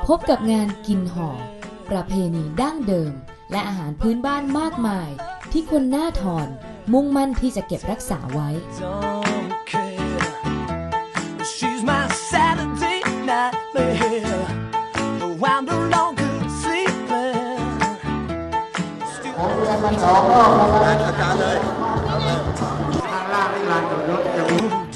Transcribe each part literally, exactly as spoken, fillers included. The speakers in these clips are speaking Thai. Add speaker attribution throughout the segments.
Speaker 1: พบกับงานกินห่อประเพณีดั้งเดิมและอาหารพื้นบ้านมากมายที่คนหน้าทอนมุ่งมั่นที่จะเก็บรักษาไว้
Speaker 2: มันสองรอบแล้วอาจารย์เลยทางล่างนี่ลานจอดรถจะมี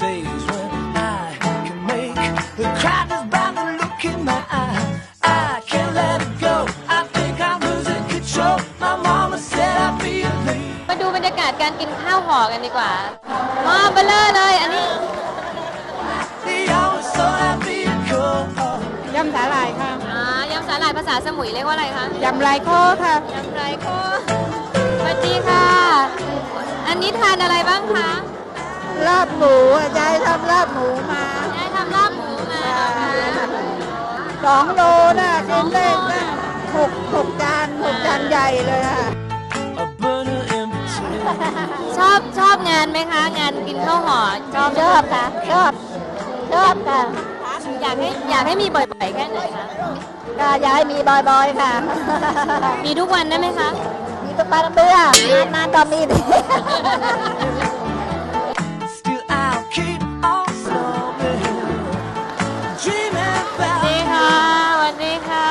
Speaker 3: มาดูบรรยากาศการกินข้าวห่อกันดีกว่าหม้อเบลอเลยอันนี้
Speaker 4: ยำสาหร่ายค่ะ
Speaker 3: อ่ายำสาหร่ายภาษาสมุยเรียกว่าอะไรคะ
Speaker 4: ยำไรโคค่ะ
Speaker 3: ยำไรโคสวัสดีค่ะอันนี้ทานอะไรบ้างคะ
Speaker 4: ลาบหมูยายทำลาบหมูมาย
Speaker 3: ายทำลาบหมูมา
Speaker 4: สองโลน่ะกินได้น่ะหกหกจานหกจานใหญ่เลยค่ะ
Speaker 3: ชอบชอบงานไหมคะงานกินข้าวห่อชอบ
Speaker 4: ชอบค่ะชอบชอบค่ะ
Speaker 3: อยากให้อยากให้มีบ่อยๆแค่ไหนคะ
Speaker 4: ก็อยากให้มีบ่อยๆค่ะ
Speaker 3: มีทุกวันได้ไหมคะ
Speaker 4: มีทุกวันเบื่อนานๆก็มีดี
Speaker 3: ดีค่ะสวัสดีค่ะ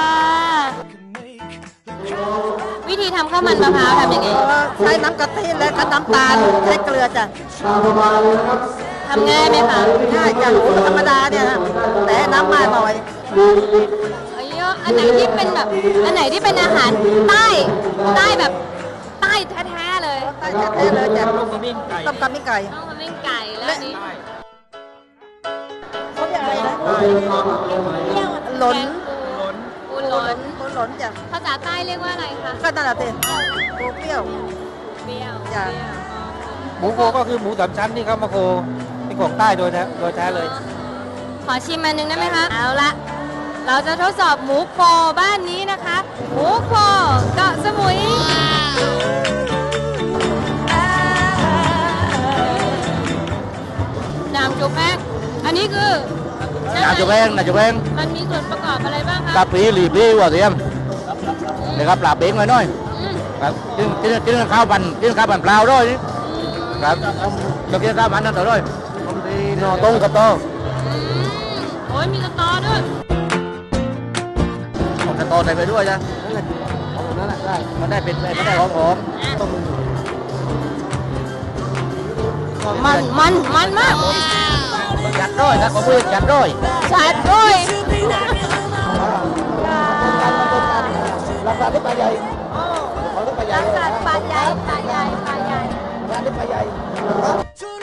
Speaker 3: วิธีทำข้าวมันมะพร้าวทำยังไง
Speaker 4: ใช้น้ำกะทิและน้ำตาลใช้เกลือจ้ะ
Speaker 3: ทำง่ายไหมคะ
Speaker 4: ง่ายจ้ะธรรมดาเนี่ยนะแต่น้ำมากหน่อย
Speaker 3: อันไหนที่เป็นแบบอันไหนที่เป็นอาหารใต้ใต้แบบใต้แท้ๆเลย
Speaker 4: ใต้แท้ๆเลยจ้ะต้มกะมิ่งไก่ต้มกะมิ่งไก่
Speaker 3: ต้มกะมิ่งไก่แล้วนี้
Speaker 4: เขาเรียกอะไรนะหลน
Speaker 3: ปูหลน
Speaker 4: ปูหลนจ้ะ
Speaker 3: ภาษาใต้เรียกว่าอะไรคะ
Speaker 4: ก็นั่นแหละสิปูเปรี้ยว
Speaker 3: เปรี้ยว
Speaker 4: จ้ะ
Speaker 2: หมูโคก็คือหมูสามชั้นที่เขามาโคเป็นของใต้โดยแท้โดยแท้เลย
Speaker 3: ขอชิมอันนึงได้ไหมคะเอาละเราจะทดสอบหมูโคบ้านนี้นะคะหมูโคเกาะสมุยน้ำจุกแป้งอันนี้คือ
Speaker 2: น้ำจุกแป้งน้ำจุกแป้ง
Speaker 3: มันมีส่วนประกอบอะไรบ้างคะ
Speaker 2: กะปิหลีบลี้หัวเทียมนะครับปลาเบ้งหน่อยหน่อยครับกินกินกินข้าวปั่นกินข้าวปั่นเปล่าด้วยครับจะกินข้าวปั่นนั่นต่อด้วยผมดีนอต้งกับโต
Speaker 3: โอ้ยมีสตอด้วย
Speaker 2: ผมจะโตใส่ไปด้วยจ้ะนั่นแหละได้มันได้เป็นมันได้หอมหอมต้ม
Speaker 3: มันมันมันมาก
Speaker 2: จัดด้วยนะขอมือจัดด้วย
Speaker 3: จัดด้วย
Speaker 2: ราคาที่ปลาใหญ่
Speaker 3: ราคาปลาใหญ่ปลาใหญ่ปลาใหญ่
Speaker 2: ราคาที่ปลาใหญ่